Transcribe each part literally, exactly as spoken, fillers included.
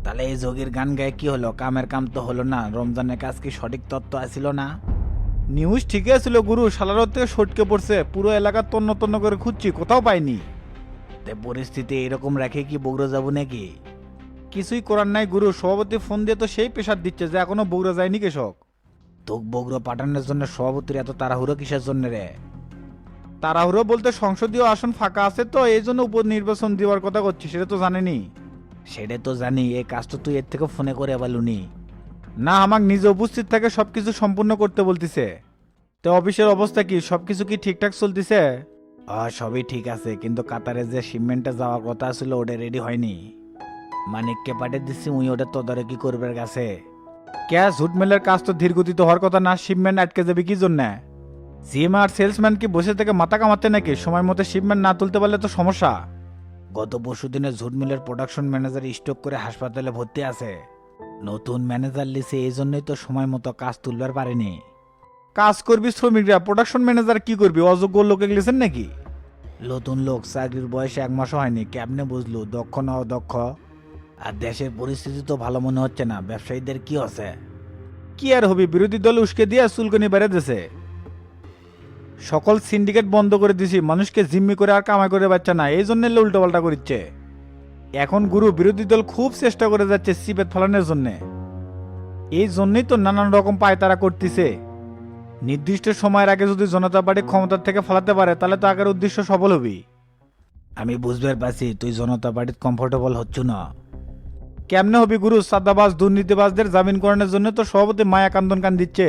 তাহলে এই যোগীর গান গায়ে কি হলো? কামের কাম তো হলো না। রমজানের কাজ কি সঠিক তত্ত্ব আসিল না? নিউজ ঠিকই ছিল গুরু, সালারত থেকে সটকে পড়ছে, পুরো এলাকা তন্ন তন্ন করে খুঁজছি, কোথাও পাইনি। তে পরিস্থিতি এরকম রাখে কি বগুড়া যাবো নাকি? কিছুই করার নাই গুরু, সভাপতি ফোন দিয়ে তো সেই প্রেশার দিচ্ছে যে এখনো বগুড়া যায়নি কৃষক। তোক বগুড়া পাঠানোর জন্য সভাপতির এত তাড়াহুড়ো কিসের জন্য রে? তাড়াহুড়ো বলতে সংসদীয় আসন ফাঁকা আছে তো এই জন্য উপনির্বাচন দেওয়ার কথা করছি, সেটা তো জানেনি। সেটা তো জানি, এই কাজটা তুই এর থেকে ফোনে করে বলুনি? না, আমাক নিজে উপস্থিত থাকে সবকিছু সম্পূর্ণ করতে বলতিছে। তো অফিসের অবস্থা কি, সবকিছু কি ঠিকঠাক চলতিছে? আহ সবই ঠিক আছে, কিন্তু কাতারে যে শিপমেন্টে যাওয়ার কথা ছিল ওটা রেডি হয়নি। মানিককে পাঠিয়ে দিচ্ছি, উই ওটা তদারকি করবার কাছে। ক্যাশ ঝুট মেলের কাজ তো ধীর গতিতে হওয়ার কথা না, শিপমেন্ট আটকে যাবে কি জন্য? জিএম আর সেলসম্যান কি বসে থেকে মাথা কামাতে নাকি? সময় মতো শিপমেন্ট না তুলতে পারলে তো সমস্যা। গত পরশু দিনে ঝুট মিলের প্রোডাকশন ম্যানেজার স্ট্রোক করে হাসপাতালে ভর্তি আছে। নতুন ম্যানেজার লিসে, এই জন্যই তো সময় মতো কাজ তুলবার পারেনি। কাজ করবি শ্রমিকরা, প্রোডাকশন ম্যানেজার কি করবি? অযোগ্য লোকে গেছেন নাকি? নতুন লোক, চাকরির বয়সে এক মাসও হয়নি, কেমনে বুঝলু দক্ষ না অদক্ষ? আর দেশের পরিস্থিতি তো ভালো মনে হচ্ছে না, ব্যবসায়ীদের কি আছে? কি আর হবি, বিরোধী দল উস্কে দিয়ে চুলকনি বেড়ে দিছে। সকল সিন্ডিকেট বন্ধ করে দিছি, মানুষকে জিম্মি করে আর কামাই করে বাচ্চা না, এই জন্য উল্টো পাল্টা করিচ্ছে। এখন গুরু বিরোধী দল খুব চেষ্টা করে যাচ্ছে সিপেত ফলানোর জন্য। এই জন্যই তো নানান রকম পায়তারা করতেছে। নির্দিষ্ট সময়ের আগে যদি জনতা পার্টি ক্ষমতার থেকে ফলাতে পারে তাহলে তো আগের উদ্দেশ্য সফল হবি। আমি বুঝবার পারছি তুই জনতা পার্টির কমফোর্টেবল হচ্ছ না। কেমনে হবি গুরু, সাদাবাজ দুর্নীতিবাজদের জামিন করানোর জন্য তো সভাপতি মায়া কান্দন কান দিচ্ছে।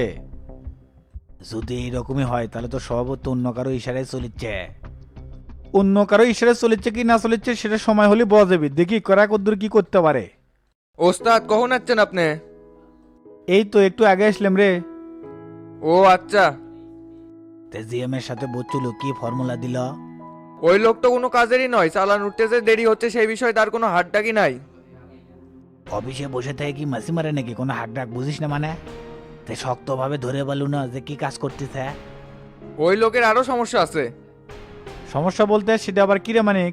যদি এইরকমই হয় তাহলে তো সভাপতি অন্য কারো ইশারায় চলিচ্ছে। অন্য কারো ইশারায় চলিচ্ছে কি না চলিচ্ছে সেটা সময় হলে বোঝা যাবে, দেখি করা কদ্দুর কি করতে পারে। ওস্তাদ কখন আসছেন আপনি? এই তো একটু আগে আসলাম রে। ও আচ্ছা। তে জিএম এর সাথে বলছিল কি ফর্মুলা দিল? ওই লোক তো কোনো কাজেরই নয়, চালান উঠতে যে দেরি হচ্ছে সেই বিষয়ে তার কোনো হাত ডাকি নাই। অফিসে বসে থেকে কি মাসি মারে নাকি? কোনো হাক ডাক বুঝিস না মানে? তে শক্তভাবে ধরে বলু না যে কি কাজ করতেছে। ওই লোকের আরো সমস্যা আছে। সমস্যা বলতে সেটা আবার কিরে মানিক?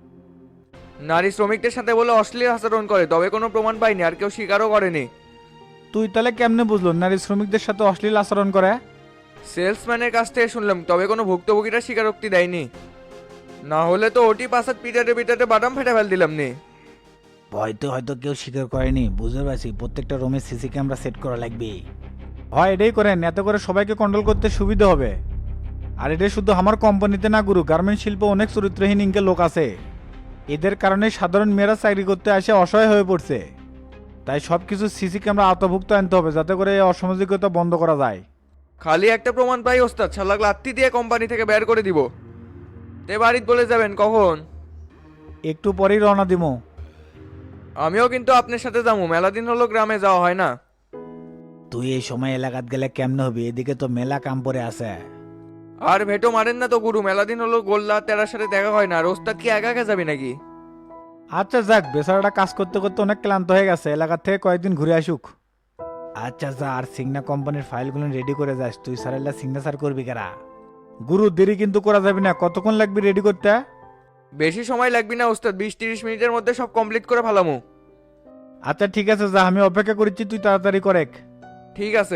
নারী শ্রমিকদের সাথে বলে অশ্লীল আচরণ করে, তবে কোনো প্রমাণ পাইনি আর কেউ স্বীকারও করেনি। তুই তাহলে কেমনে বুঝলো নারী শ্রমিকদের সাথে অশ্লীল আচরণ করে? সেলসম্যানের কাছ থেকে শুনলাম, তবে কোনো ভুক্তভোগীরা স্বীকারোক্তি দেয়নি। না হলে তো ওটি পাশাত পিটাতে পিটাতে বাদাম ফেটে ফেল দিলাম নি। হয়তো হয়তো কেউ স্বীকার করেনি, বুঝতে পারছি। প্রত্যেকটা রুমে সিসি ক্যামেরা সেট করা লাগবে। হয় এটাই করেন, এত করে সবাইকে কন্ট্রোল করতে সুবিধা হবে। আর এটা শুধু আমার কোম্পানিতে না গুরু, গার্মেন্ট শিল্পে অনেক চরিত্রহীন ইনকে লোক আছে। এদের কারণে সাধারণ মেয়েরা চাকরি করতে আসে অসহায় হয়ে পড়ছে। তাই সব কিছু সিসি ক্যামেরা আওতাভুক্ত আনতে হবে যাতে করে এই অসামাজিকতা বন্ধ করা যায়। খালি একটা প্রমাণ পাই ওস্তাদ, শালাক লাত্তি দিয়ে কোম্পানি থেকে বের করে দিব। তে বাড়িতে বলে যাবেন কখন? একটু পরেই রওনা দিমো। আমিও কিন্তু আপনার সাথে যাবো, মেলা দিন হলো গ্রামে যাওয়া হয় না। তুই এই সময় এলাকাত গেলে কেমনে হবে? এদিকে তো মেলা কাম পড়ে আছে। আর ভেটো মারেন না তো গুরু, মেলা দিন হলো গোল্লা তেরার সাথে দেখা হয় না। আর ওস্তাদ কি একা একা যাবি নাকি? আচ্ছা যাক, বেচারাটা কাজ করতে করতে অনেক ক্লান্ত হয়ে গেছে, এলাকার থেকে কয়েকদিন ঘুরে আসুক। আচ্ছা যা, আর সিগনা কোম্পানির ফাইলগুলো রেডি করে যাস। তুই সারেল্লা সিগনেচার করবি কারা? গুরু দেরি কিন্তু করা যাবে না, কতক্ষণ লাগবে রেডি করতে? বেশি সময় লাগবে না ওস্তাদ, বিশ তিরিশ মিনিটের মধ্যে সব কমপ্লিট করে ফেলামু। আচ্ছা ঠিক আছে যা, আমি অপেক্ষা করছি, তুই তাড়াতাড়ি করেক। ঠিক আছে।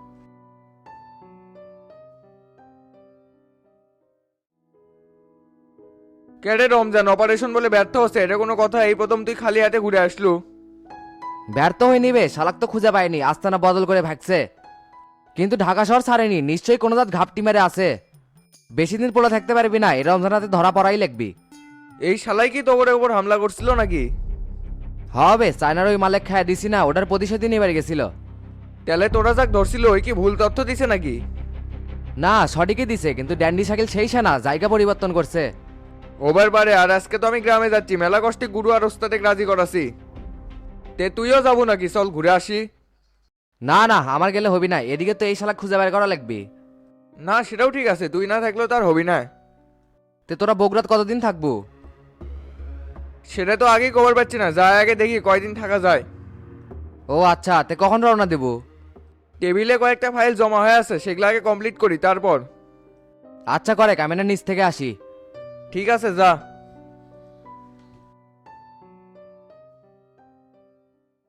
কেডে রমজান অপারেশন বলে ব্যর্থ হচ্ছে, এটা কোনো কথা? এই প্রথম তুই খালি হাতে ঘুরে আসলু। ব্যর্থ হয়ে নিবে, শালাক তো খুঁজে পায়নি, আস্তানা বদল করে ভাগছে। কিন্তু ঢাকা শহর ছাড়েনি, নিশ্চয়ই কোনো জাত ঘাপটি মেরে আছে। বেশি দিন পড়ে থাকতে পারবি না, এই রমজানাতে ধরা পড়াই লাগবি। এই শালাই কি তোরে উপর হামলা করছিল নাকি? হবে, চায়নার ওই মালেক খায় দিছি না, ওটার প্রতিশোধই নিবার গেছিল। তাহলে তোরা যাক ধরছিল ওই কি ভুল তথ্য দিছে নাকি? না, সঠিকই দিছে, কিন্তু ড্যান্ডি শাকিল সেই সেনা জায়গা পরিবর্তন করছে। ওবার বারে, আর আজকে তো আমি গ্রামে যাচ্ছি, মেলা কষ্টে গুরু আর ওস্তাদে রাজি করাছি। তে তুইও যাবো নাকি? চল ঘুরে আসি। না না, আমার গেলে হবি না, এদিকে তো এই শালাক খুঁজে বের করা লাগবে। না সেটাও ঠিক আছে, তুই না থাকলেও তার হবি না। তে তোরা বগুড়াত কতদিন থাকবো? সেটা তো আগেই খবর পাচ্ছি না, যাই আগে দেখি কয়দিন থাকা যায়। ও আচ্ছা, তে কখন রওনা দেবো? টেবিলে কয়েকটা ফাইল জমা হয়ে আছে, সেগুলো আগে কমপ্লিট করি তারপর। আচ্ছা করে, ক্যামেরার নিচ থেকে আসি। ঠিক আছে যা।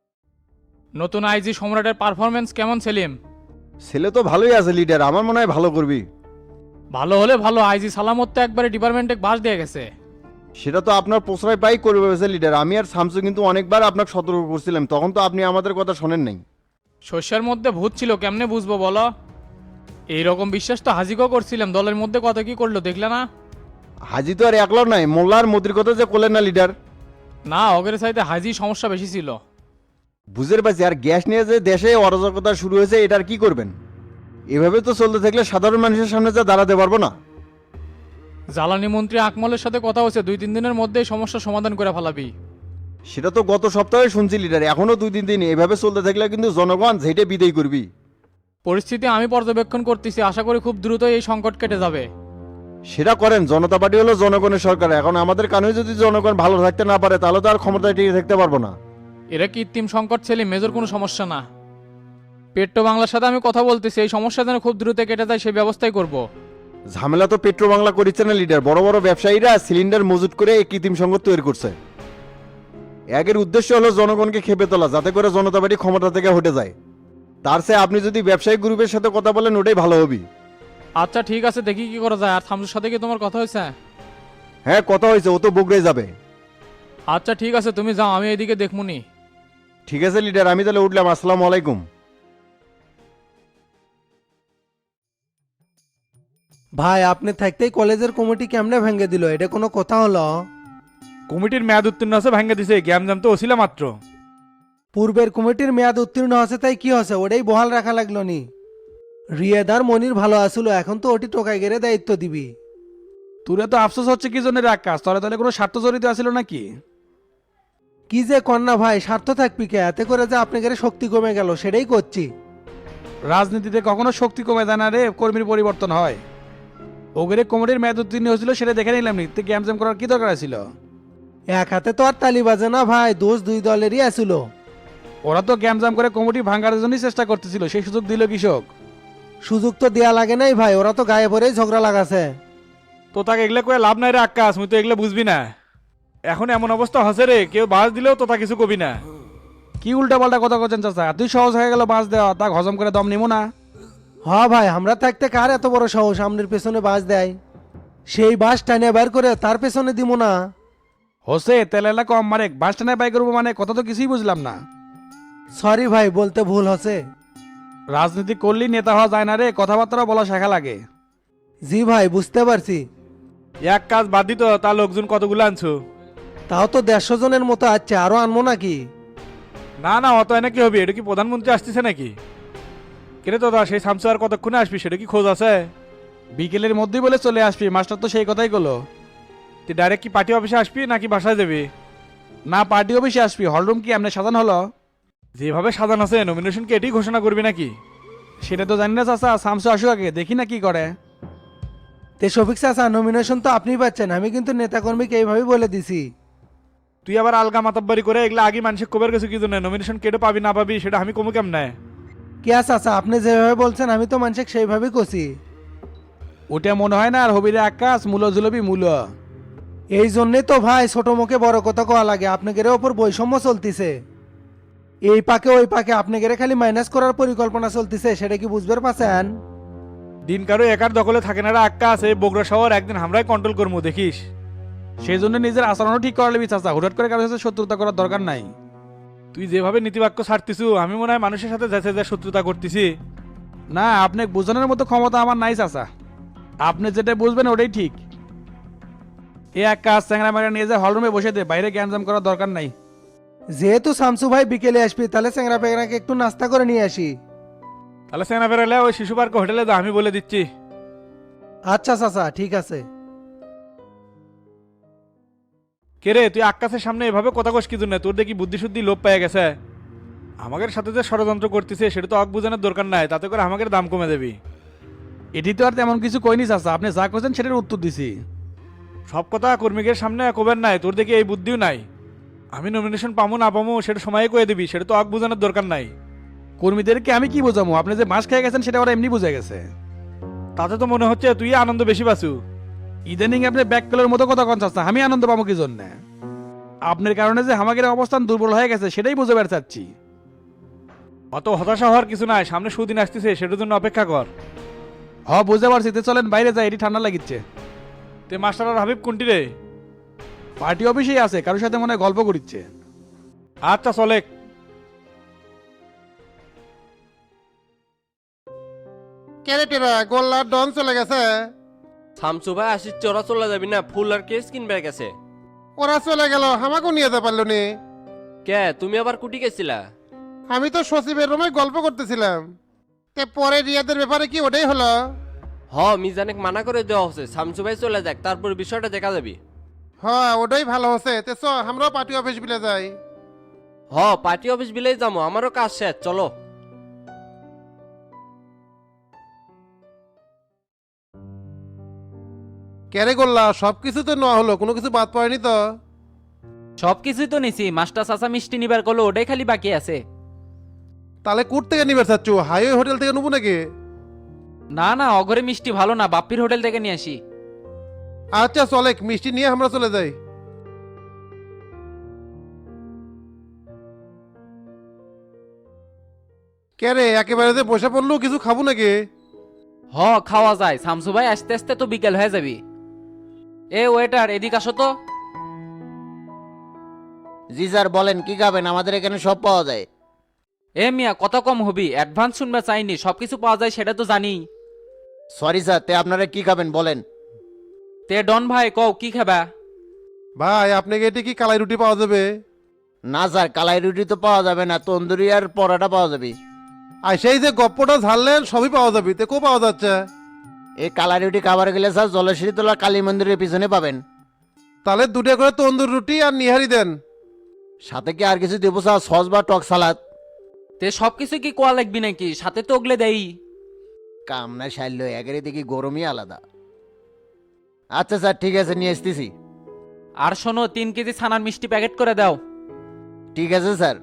নতুন আইজি সম্রাটের পারফরমেন্স কেমন সেলিম? ছেলে তো ভালোই আছে লিডার, আমার মনে হয় ভালো করবি। ভালো হলে ভালো, আইজি সালামত তো একবারে ডিপার্টমেন্টে বাস দিয়ে গেছে। সেটা তো আপনার প্রশ্রয় পাই করবে ভেবেছে লিডার। আমি আর শামসু কিন্তু অনেকবার আপনাকে সতর্ক করছিলাম, তখন তো আপনি আমাদের কথা শোনেন নাই। শস্যের মধ্যে ভূত ছিল, কেমনে বুঝবো বলো? এইরকম বিশ্বাস তো হাজিকেও করছিলাম, দলের মধ্যে কত কি করলো দেখলে না? হাজি তো আর একলাও নাই, মোল্লা আর মোদির কথা যে করলেন না লিডার। না, অগের চাইতে হাজি সমস্যা বেশি ছিল। বুঝের পাচ্ছি, আর গ্যাস নিয়ে যে দেশে অরাজকতা শুরু হয়েছে, এটার কি করবেন? এভাবে তো চলতে থাকলে সাধারণ মানুষের সামনে যা দাঁড়াতে পারবো না। জ্বালানি মন্ত্রী আকমলের সাথে কথা হচ্ছে, দুই তিন দিনের মধ্যেই সমস্যার সমাধান করে ফেলাবি। সেটা তো গত সপ্তাহে শুনছি লিডার, এখনো দুই তিন দিন এভাবে চলতে থাকলে কিন্তু জনগণ ঝেঁটে বিদায় করবি। পরিস্থিতি আমি পর্যবেক্ষণ করতেছি, আশা করি খুব দ্রুতই এই সংকট কেটে যাবে। সেটা করেন, জনতা পার্টি হলো জনগণের সরকার। এখন আমাদের কারণে যদি জনগণ ভালো থাকতে না পারে, তাহলে তো আর ক্ষমতায় টিকে থাকতে পারবো না। এরা কৃত্রিম সংকট ছেলে, মেজর কোনো সমস্যা না। পেট্রো বাংলার সাথে আমি কথা বলতেছি, এই সমস্যা যেন খুব দ্রুত কেটে যায় সেই ব্যবস্থাই করব। ঝামেলা তো পেট্রো বাংলা করিচ্ছে না লিডার, বড় বড় ব্যবসায়ীরা সিলিন্ডার মজুত করে এই কৃত্রিম সংকট তৈরি করছে। একের উদ্দেশ্য হলো জনগণকে খেপে তোলা, যাতে করে জনতা পার্টি ক্ষমতা থেকে হটে যায়। তার চেয়ে আপনি যদি ব্যবসায়িক গ্রুপের সাথে কথা বলেন, ওটাই ভালো হবে। আচ্ছা ঠিক আছে, দেখি কি করা যায়। আর থামসুর সাথে কি তোমার কথা হয়েছে? হ্যাঁ কথা হয়েছে, ও তো বগুড়ায় যাবে। আচ্ছা ঠিক আছে, তুমি যাও, আমি এইদিকে দেখমুনি। ঠিক আছে লিডার, আমি তাহলে উঠলাম। আসসালামু আলাইকুম। ভাই আপনি থাকতেই কলেজের কমিটি কেমনে ভেঙে দিল, এটা কোনো কথা হলো? কমিটির মেয়াদ উত্তীর্ণ আছে ভাঙ্গা দিছে, জ্ঞান জাম তো ওসিলা মাত্র। পূর্বের কমিটির মেয়াদ উত্তীর্ণ আছে তাই কি হচ্ছে, ওটাই বহাল রাখা লাগলো নি? রিয়েদার মনির ভালো আসলো, এখন তো ওটি টোকাই গেড়ে দায়িত্ব দিবি। তোরে তো আফসোস হচ্ছে কি জন্য আকাশ, তোরা তাহলে কোনো স্বার্থ জড়িত আছিল নাকি? কি যে কন্যা ভাই, স্বার্থ থাকবি কে? এতে করে যে আপনাদের শক্তি কমে গেল সেটাই করছি। রাজনীতিতে কখনো শক্তি কমে যায় না রে, কর্মীর পরিবর্তন হয়। ওগরে কমিটির মেয়াদ উত্তীর্ণ হয়েছিল সেটা দেখে নিলাম নি, গ্যাম জ্যাম করার কি দরকার ছিল? এক হাতে তো আর তালি বাজে না ভাই, দোষ দুই দলেরই আসলো। ওরা তো গ্যাম জাম করে কমিটি ভাঙার জন্যই চেষ্টা করতেছিল, সেই সুযোগ দিল কৃষক। সুযোগ তো দেয়া লাগে নাই ভাই, ওরা তো গায়ে পরেই ঝগড়া লাগাছে। তো তাকে এগুলা করে লাভ নাই রে আকাশ, মুই তো এগুলা বুঝবি না। এখন এমন অবস্থা হসে রে, কেউ বাস দিলেও তো তা কিছু কবি না। কি উল্টা পাল্টা কথা করছেন চাচা? তুই সহজ হয়ে গেল বাস দেওয়া, তা হজম করে দম নিমো না। হ ভাই, আমরা থাকতে কার এত বড় সাহস সামনের পেছনে বাস দেয়? সেই বাস টানে বের করে তার পেছনে দিব না? হোসে তেলেলা কম মারে, বাস টানায় বাই করবো মানে কথা তো কিছুই বুঝলাম না। সরি ভাই, বলতে ভুল হচ্ছে। রাজনীতি করলেই নেতা হওয়া যায় না রে, কথাবার্তা বলা শেখা লাগে। জি ভাই, বুঝতে পারছি। এক কাজ বাদ দিত, তার লোকজন কতগুলো আনছো? তাও তো দেড়শো জনের মতো আছে, আরো আনবো নাকি? না না, অত এনে কি হবে? এটা কি প্রধানমন্ত্রী আসতেছে নাকি? কেন তো সেই সামসু আর কতক্ষণে আসবি, সেটা কি খোঁজ আছে? বিকেলের মধ্যেই বলে চলে আসবি, মাস্টার তো সেই কথাই করলো। তুই ডাইরেক্ট কি পার্টি অফিসে আসবি নাকি বাসায় যাবি? না, পার্টি অফিসে আসবি। হলরুম কি এমনি সাজানো হলো? যেভাবে সাজান আছে, নমিনেশন কি এটাই ঘোষণা করবি নাকি? সেটা তো জানি না চাচা, সামসু আসুক আগে, দেখি না কি করে। তে শফিক চাচা, নমিনেশন তো আপনি পাচ্ছেন, আমি কিন্তু নেতাকর্মীকে এইভাবেই বলে দিছি। তুই আবার আলগা মাতাব্বারি করে এগুলা আগে মানুষের কবের গেছে কি জন্য? নমিনেশন কেটে পাবি না পাবি সেটা আমি কমু কেমনে? কে চাচা, আপনি যেভাবে বলছেন আমি তো মানুষকে সেইভাবেই করছি। ওটা মনে হয় না আর হবিরে আকাশ, মূল জুলবি মূল। এই জন্যই তো ভাই ছোট মুখে বড় কথা কওয়া লাগে। আপনাদের ওপর বৈষম্য চলতিছে, এই পাকে ওই পাকে আপনাদের খালি মাইনাস করার পরিকল্পনা চলতিছে, সেটা কি বুঝতে পারছেন? দিন কারো একার দখলে থাকে না রে আকাশ, এই বগুড়া শহর একদিন আমরাই কন্ট্রোল করবো, দেখিস। সেই জন্য নিজের আচরণও ঠিক করা লিবি চাচা, হুটহাট করে কারোর সাথে শত্রুতা করার দরকার নাই। তুই যেভাবে নীতিবাক্য ছাড়তিছু, আমি মনে হয় মানুষের সাথে যাচ্ছে যা শত্রুতা করতেছি। না, আপনি বোঝানোর মতো ক্ষমতা আমার নাই চাচা, আপনি যেটা বুঝবেন ওটাই ঠিক। এ এক কাজ, চ্যাংরা ম্যাংরা নিয়ে যায় হলরুমে বসে দে, বাইরে জ্ঞানজাম করার দরকার নাই। যেহেতু শামসু ভাই বিকেলে আসবি, তাহলে চ্যাংরা পেংরাকে একটু নাস্তা করে নিয়ে আসি। তাহলে সেনা বেরোলে ওই শিশু পার্ক হোটেলে যা, আমি বলে দিচ্ছি। আচ্ছা চাচা, ঠিক আছে। কে রে, তুই আকাশের সামনে এভাবে কথা কস কি জন্য? তোর দেখি বুদ্ধি শুদ্ধি লোপ পেয়ে গেছে। আমাদের সাথে যে ষড়যন্ত্র করতেছে সেটা তো অক বোঝানোর দরকার নাই, তাতে করে আমাদের দাম কমে দেবি। এটি তো আর তেমন কিছু কইনি চাচা, আপনি যা করছেন সেটার উত্তর দিছি। সব কথা কর্মীদের সামনে কবের নাই, তোর দেখি এই বুদ্ধিও নাই। আমি নমিনেশন পামো না পামো সেটা সময় কয়ে দিবি, সেটা তো অক বোঝানোর দরকার নাই। কর্মীদেরকে আমি কি বোঝাবো? আপনি যে মাস খেয়ে গেছেন সেটা ওরা এমনি বুঝে গেছে। তাতে তো মনে হচ্ছে তুই আনন্দ বেশি পাসু। ইদানিং আপনি ব্যাককলের মতো কথা কন চাচ্ছা, আমি আনন্দ পাবো কি জন্য? আপনার কারণে যে আমাদের অবস্থান দুর্বল হয়ে গেছে সেটাই বুঝে বের চাচ্ছি। অত হতাশা হওয়ার কিছু নাই, সামনে সুদিন আসতেছে, সেটার জন্য অপেক্ষা কর। হ বুঝতে পারছি, তে চলেন বাইরে যাই, এটি ঠান্ডা লাগিচ্ছে। তে মাস্টার আর হাবিব কোনটি রে? পার্টি অফিসেই আছে, কারোর সাথে মনে হয় গল্প করিচ্ছে। আচ্ছা চলে। ক্যারেটেরা গোল্লার ডন চলে গেছে। শামসু ভাই আসিচ্ছে, ওরা চলে যাবি না, ফুল আর কেস কিনবে গেছে। ওরা চলে গেল, আমাকেও নিয়ে যেতে পারলো নি। কে তুমি আবার কুটি গেছিলা? আমি তো সচিবের রুমে গল্প করতেছিলাম। তে পরে রিয়াদের ব্যাপারে কি ওটাই হলো? হ মিজানেক মানা করে দেওয়া হচ্ছে, শামসু ভাই চলে যাক, তারপর বিষয়টা দেখা যাবি। হ্যাঁ ওটাই ভালো হচ্ছে। তে চ আমরাও পার্টি অফিস বিলে যাই। হ পার্টি অফিস বিলেই যাবো, আমারও কাজ শেষ, চলো। ক্যারে গোল্লা সবকিছু তো নেওয়া হলো, কোনো কিছু বাদ পড়েনি তো? সব কিছুই তো নিছি, মাস্টার চাচা মিষ্টি নিবার করলো, ওটাই খালি বাকি আছে। তাহলে কোর্ট থেকে নিবে চাচ্ছু? হাইওয়ে হোটেল থেকে নেবো নাকি? না না, অঘরে মিষ্টি ভালো না, বাপ্পির হোটেল থেকে নিয়ে আসি। আচ্ছা চলে, মিষ্টি নিয়ে আমরা চলে যাই। ক্যারে একেবারে যে বসে পড়লো, কিছু খাবো নাকি? হ খাওয়া যায়, শামসু ভাই আস্তে আস্তে তো বিকেল হয়ে যাবি। এ ওয়েটার এদিক আসো তো। জি স্যার বলেন, কি খাবেন? আমাদের এখানে সব পাওয়া যায়। এ মিয়া কত কম হবি, অ্যাডভান্স শুনবে চাইনি, সবকিছু পাওয়া যায় সেটা তো জানি। সরি স্যার, তে আপনারা কি খাবেন বলেন? তে ডন ভাই কও কি খাবা? ভাই আপনাকে এটি কি কালাই রুটি পাওয়া যাবে? না স্যার, কালাই রুটি তো পাওয়া যাবে না, তন্দুরি আর পরোটা পাওয়া যাবে। আর সেই যে গপ্পটা ঝাড়লেন সবই পাওয়া যাবে, তে কো পাওয়া যাচ্ছে? এই কালাই রুটি খাবার গেলে স্যার জলেশ্বরী তোলা কালী মন্দিরের পিছনে পাবেন। তাহলে দুটো করে তন্দুর রুটি আর নিহারি দেন। সাথে কি আর কিছু দেবো স্যার? সস বা টক সালাদ? তে সবকিছু কি কোয়া লাগবি নাকি? সাথে তো ওগলে দেই। কামনা সাইল একেরে দেখি গরমই আলাদা। আচ্ছা স্যার ঠিক আছে, নিয়ে আসতেছি। আর শোনো, তিন কেজি ছানার মিষ্টি প্যাকেট করে দাও। ঠিক আছে স্যার।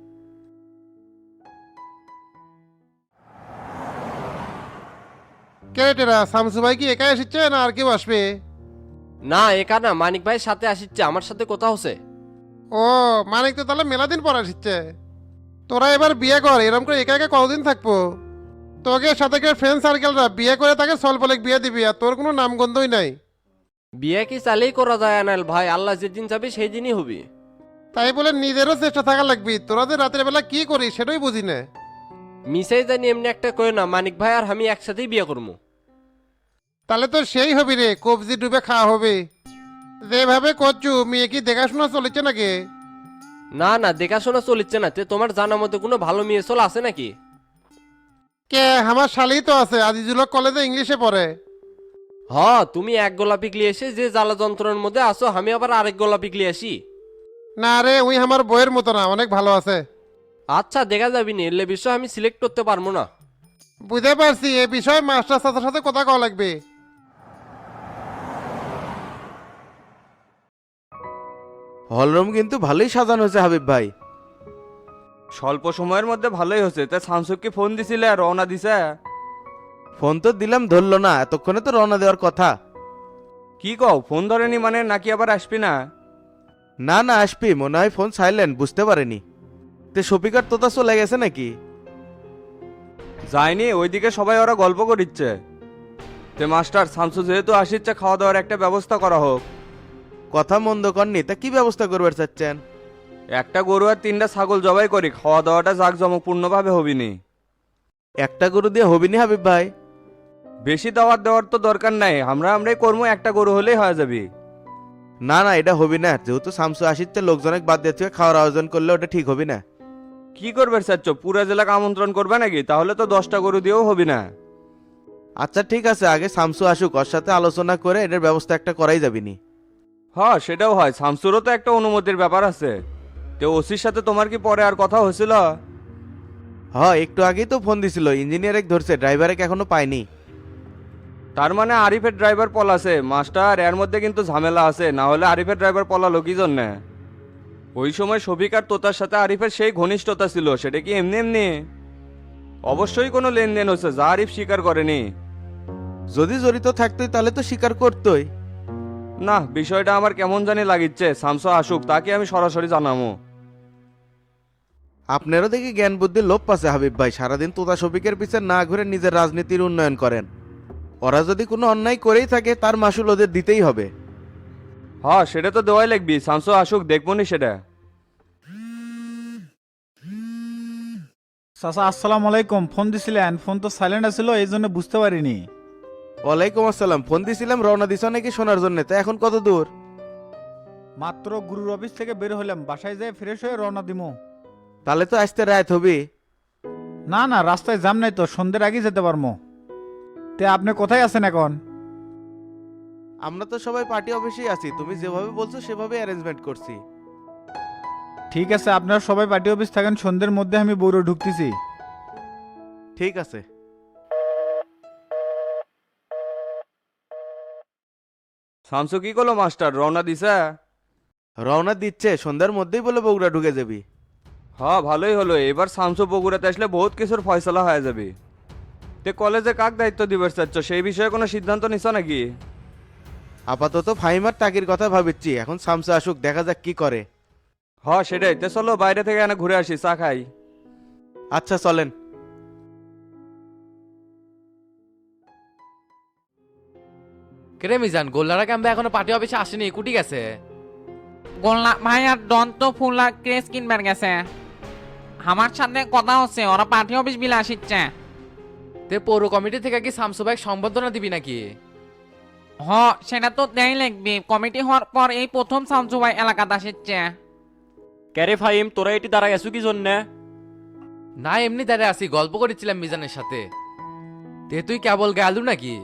ক্যারেটেরা শামসু ভাই কি একাই এসেছে না আর কেউ আসবে? না একা না, মানিক ভাইয়ের সাথে আসিচ্ছে, আমার সাথে কথা হচ্ছে। ও মানিক তো তাহলে মেলা দিন পর আসছে। তোরা এবার বিয়ে কর, এরকম করে একা একা কতদিন থাকবো? তোকে সাথে করে ফ্রেন্ড সার্কেলরা বিয়ে করে তাকে সলপলেক বিয়ে দিবি, আর তোর কোনো নামগন্ধই নাই। বিয়ে কি চালেই করা যায় আনাল ভাই, আল্লাহ যেদিন যাবে সেই দিনই হবে। তাই বলে নিজেরও চেষ্টা থাকা লাগবি। তোরা যে রাতের বেলা কি করিস সেটাই বুঝি না। মিসাই জানি এমনি একটা কই না, মানিক ভাই আর আমি একসাথেই বিয়ে করবো। তাহলে তো সেই হবি রে, কবজি ডুবে খাওয়া হবে। যেভাবে করছু মেয়ে কি দেখাশোনা চলেছে নাকি? না না দেখাশোনা চলিচ্ছে না। তে তোমার জানার মতো কোনো ভালো মেয়ে চল আছে নাকি? কে আমার শালি তো আছে, আজিজুল হক কলেজে ইংলিশে পড়ে। হ তুমি এক গোলাপি গলিয়ে এসে যে জ্বালা যন্ত্রণার মধ্যে আসো, আমি আবার আরেক গোলাপি গলিয়ে আসি। না রে, ওই আমার বইয়ের মতো না, অনেক ভালো আছে। আচ্ছা দেখা যাবি নি, এলে বিষয় আমি সিলেক্ট করতে পারবো না। বুঝতে পারছি, এ বিষয়ে মাস্টার সাথে সাথে কথা কওয়া লাগবে। হলরুম কিন্তু ভালোই সাজানো হয়েছে হাবিব ভাই। স্বল্প সময়ের মধ্যে ভালোই হচ্ছে। তা শামসুককে ফোন দিছিলে, রওনা দিছে? ফোন তো দিলাম, ধরলো না, এতক্ষণে তো রওনা দেওয়ার কথা। কি কও, ফোন ধরেনি মানে? নাকি আবার আসবি না? না না আসবি, মনে হয় ফোন সাইলেন্ট, বুঝতে পারেনি। তে শফিকার তোতা চলে গেছে নাকি? যায়নি, ওইদিকে সবাই ওরা গল্প করিচ্ছে। তে মাস্টার, শামসু যেহেতু আসিচ্ছে, খাওয়া দাওয়ার একটা ব্যবস্থা করা হোক। কথা মন্দ করনি, তা কি ব্যবস্থা করবার চাচ্ছেন? একটা গরু আর তিনটা ছাগল জবাই করি, খাওয়া দাওয়াটা জাঁকজমকপূর্ণভাবে হবিনি। একটা গরু দিয়ে হবিনি হাবিব ভাই? বেশি দাওয়াত দেওয়ার তো দরকার নাই, আমরা আমরাই কর্ম, একটা গরু হলেই হয়ে যাবি। না না এটা হবি না, যেহেতু শামসু আসিচ্ছে, লোকজনক বাদ দিয়ে থেকে খাওয়ার আয়োজন করলে ওটা ঠিক হবি না। কি করবে চাচ্ছ, পুরা জেলাকে আমন্ত্রণ করবে নাকি? তাহলে তো দশটা গরু দিয়েও হবি না। আচ্ছা ঠিক আছে, আগে শামসু আসুক, ওর সাথে আলোচনা করে এটার ব্যবস্থা একটা করাই যাবিনি। হ্যাঁ সেটাও হয়, শামসুরও তো একটা অনুমতির ব্যাপার আছে। তো ওসির সাথে তোমার কি পরে আর কথা হয়েছিল? হ্যাঁ একটু আগেই তো ফোন দিছিল, ইঞ্জিনিয়ার এক ধরছে, ড্রাইভারে এখনো পাইনি। তার মানে আরিফের ড্রাইভার পলাছে। মাস্টার, এর মধ্যে কিন্তু ঝামেলা আছে, না হলে আরিফের ড্রাইভার পলালো কি জন্যে? ওই সময় শফিক আর তোতার সাথে আরিফের সেই ঘনিষ্ঠতা ছিল, সেটা কি এমনি এমনি? অবশ্যই কোনো লেনদেন হচ্ছে, যা আরিফ স্বীকার করেনি। যদি জড়িত থাকতোই তাহলে তো স্বীকার করতোই। না, বিষয়টা আমার কেমন জানি লাগিচ্ছে। শামসু আসুক, তাকে আমি সরাসরি জানাবো। আপনারও দেখি জ্ঞান বুদ্ধির লোপ পাচ্ছে হাবিব ভাই, সারাদিন তোতা শফিকের পিছে না ঘুরে নিজের রাজনীতির উন্নয়ন করেন। ওরা যদি কোনো অন্যায় করেই থাকে তার মাসুল ওদের দিতেই হবে। হ্যাঁ সেটা তো দেওয়াই লাগবি, শামসু আসুক দেখবো নি সেটা। চাচা আসসালামু আলাইকুম, ফোন দিছিলেন, ফোন তো সাইলেন্ট আছিল এই জন্য বুঝতে পারিনি। ওয়ালাইকুম আসসালাম, ফোন দিছিলাম রওনা দিছ নাকি শোনার জন্য, তা এখন কত দূর? মাত্র গুরুর অফিস থেকে বের হলাম, বাসায় যেয়ে ফ্রেশ হয়ে রওনা দিমু। তাহলে তো আসতে রাত হবে। না না, রাস্তায় জাম নাই তো, সন্ধ্যের আগে যেতে পারবো। তে আপনি কোথায় আছেন এখন? আমরা তো সবাই পার্টি অফিসেই আছি, তুমি যেভাবে বলছো সেভাবে অ্যারেঞ্জমেন্ট করছি। ঠিক আছে, আপনারা সবাই পার্টি অফিস থাকেন, সন্ধ্যের মধ্যে আমি বৌর ঢুকতেছি। ঠিক আছে। শামসু কি করলো মাস্টার, রওনা দিছে? রওনা দিচ্ছে, সন্ধ্যার মধ্যেই বলে বগুড়া ঢুকে যাবি। হ্যাঁ ভালোই হলো, এবার শামসু বগুড়াতে আসলে বহুত কিছুর ফয়সলা হয়ে যাবে। তে কলেজে কাক দায়িত্ব দিবে চাচ্ছ, সেই বিষয়ে কোনো সিদ্ধান্ত নিছ নাকি? আপাতত ফাইমার টাকির কথা ভাবিচ্ছি, এখন সামসা আসুক, দেখা যাক কি করে। হ্যাঁ সেটাই, তে চলো বাইরে থেকে এনে ঘুরে আসি, চা খাই। আচ্ছা চলেন। কেরে মিজান, গোল্লারা ক্যাম্পে এখনো পার্টি অফিসে আসেনি, কুটি গেছে? গোল্লা ভাই আর ডন তো ফুল আর ক্রেস কিনবার গেছে। আমার সাথে কথা হচ্ছে, ওরা পার্টি অফিস বিলে আসিচ্ছে। তে পৌর কমিটি থেকে কি শামসু ভাই সংবর্ধনা দিবি নাকি? হ সেটা তো দেয় লাগবে, কমিটি হওয়ার পর এই প্রথম শামসু ভাই এলাকাতে আসিচ্ছে। ক্যারে ফাইম, তোরা এটি দাঁড়ায় গেছো কি জন্যে? না এমনি দাঁড়িয়ে আসি, গল্প করেছিলাম মিজানের সাথে। তে তুই কেবল গেলু নাকি?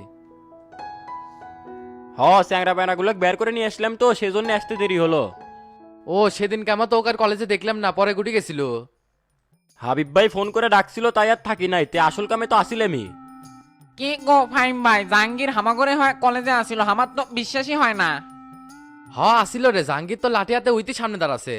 হ চ্যাংরা প্যানাগুলো বের করে নিয়ে আসলাম তো, সেজন্য আসতে দেরি হলো। ও সেদিন কেমন তো ওকার কলেজে দেখলাম না, পরে গুটি গেছিল। হাবিব ভাই ফোন করে ডাকছিল তাই আর থাকি নাই, তে আসল কামে তো আসিলামই। কি গো ফাইম ভাই, জাহাঙ্গীর হামাগরে হয় কলেজে আসিল, আমার তো বিশ্বাসই হয় না। হ আসিল রে, জাহাঙ্গীর তো লাঠি হাতে উইতি সামনে দাঁড়াছে।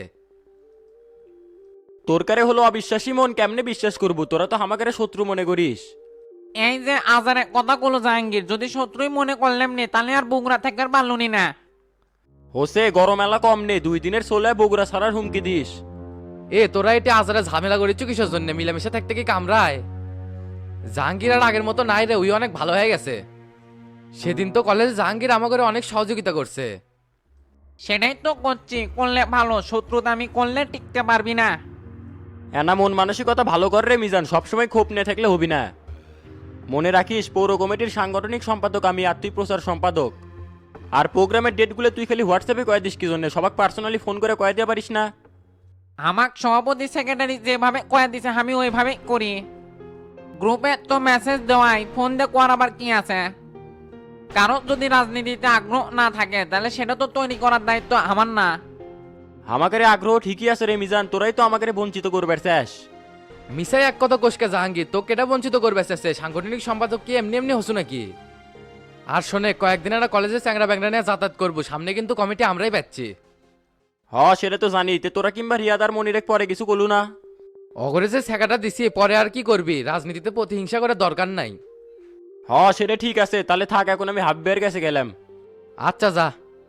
তোর কারে হলো অবিশ্বাসী মন, কেমনে বিশ্বাস করবো? তোরা তো আমাকে শত্রু মনে করিস। এই যে আজারে কথা কলো জাহাঙ্গীর, যদি শত্রুই মনে করলাম নি তাহলে আর বগুড়া থেকে পারলুনি না। হোসে গরম এলা কম নেই, দুই দিনের চলে বগুড়া ছাড়ার হুমকি দিস। এ তোরা এটা আজারে ঝামেলা করেছ কিসের জন্য? মিলামিশা থাকতে কি কামড়ায়? জাহাঙ্গীর আর আগের মতো নাই রে, ওই অনেক ভালো হয়ে গেছে। সেদিন তো কলেজে জাহাঙ্গীর আমাকে অনেক সহযোগিতা করছে। সেটাই তো করছি, করলে ভালো, শত্রুতা আমি করলে টিকতে পারবি না। এনা মন মানসিকতা ভালো কর রে মিজান, সবসময় ক্ষোভ নিয়ে থাকলে হবি না। মনে রাখিস পৌর কমিটির সাংগঠনিক সম্পাদক আমি, আর তুই প্রচার সম্পাদক। আর প্রোগ্রামের ডেটগুলো তুই খালি হোয়াটসঅ্যাপে কয়ে দিস কি জন্য, সবাক পার্সোনালি ফোন করে কয়ে দিয়ে পারিস না? আমার সভাপতি সেক্রেটারি যেভাবে কয়ে দিছে আমি ওইভাবে করি। গ্রুপে তো মেসেজ দেওয়াই, ফোন দিয়ে করার আবার কি আছে? কারো যদি রাজনীতিতে আগ্রহ না থাকে তাহলে সেটা তো তৈরি করার দায়িত্ব আমার না। আমাকে আগ্রহ ঠিকই আছে রে মিজান, তোরাই তো আমাকে বঞ্চিত করবে চাস। মিসাই এক কথা কোষকে জাহাঙ্গীর, তো কেটা বঞ্চিত করবে চাচ্ছে? সাংগঠনিক সম্পাদক কি এমনি এমনি হসু নাকি? আর শোনে, কয়েকদিন একটা কলেজে চ্যাংরা ব্যাংরা নিয়ে যাতায়াত করবো, সামনে কিন্তু কমিটি আমরাই পাচ্ছি। হ সেটা তো জানি, তে তোরা কিংবা রিয়াদার মনিরেক পরে কিছু কলু না? অগরে যে ছেঁকাটা দিছি, পরে আর কি করবি? রাজনীতিতে প্রতিহিংসা করে দরকার নাই। হ সেটা ঠিক আছে, তাহলে থাক, এখন আমি হাব্বের কাছে গেলাম। আচ্ছা যা।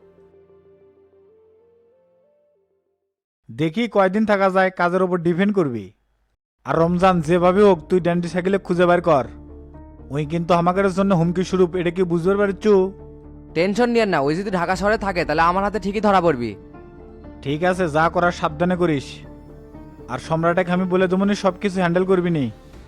দেখি কয়দিন থাকা যায়, কাজের ওপর ডিপেন্ড করবি। আর রমজান যেভাবে হোক তুই ড্যান্ডি সাইকেলে খুঁজে বের কর, ওই কিন্তু আমাদের জন্য হুমকি স্বরূপ, এটা কি বুঝতে পারছু? টেনশন নিয়ে না, ওই যদি ঢাকা শহরে থাকে তাহলে আমার হাতে ঠিকই ধরা পড়বি। ঠিক আছে, যা করার সাবধানে করিস। আর সম্রাটকে আমি বলে দেবনি সব কিছু হ্যান্ডেল করবি নি।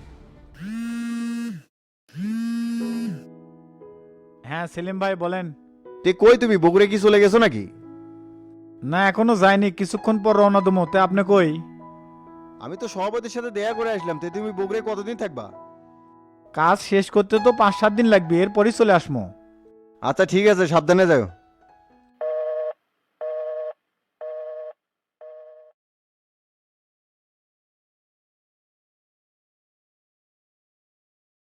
হ্যাঁ সেলিম ভাই বলেন। তে কই তুমি, বগুড়ে কি চলে গেছো নাকি? না এখনো যাইনি, কিছুক্ষণ পর রওনা দেবো। তে আপনি কই? আমি তো সভাপতির সাথে দেখা করে আসলাম। তে তুমি বগুড়ে কতদিন থাকবা? কাজ শেষ করতে তো পাঁচ সাত দিন লাগবে, এরপরই চলে আসমো। আচ্ছা ঠিক আছে, সাবধানে যাও।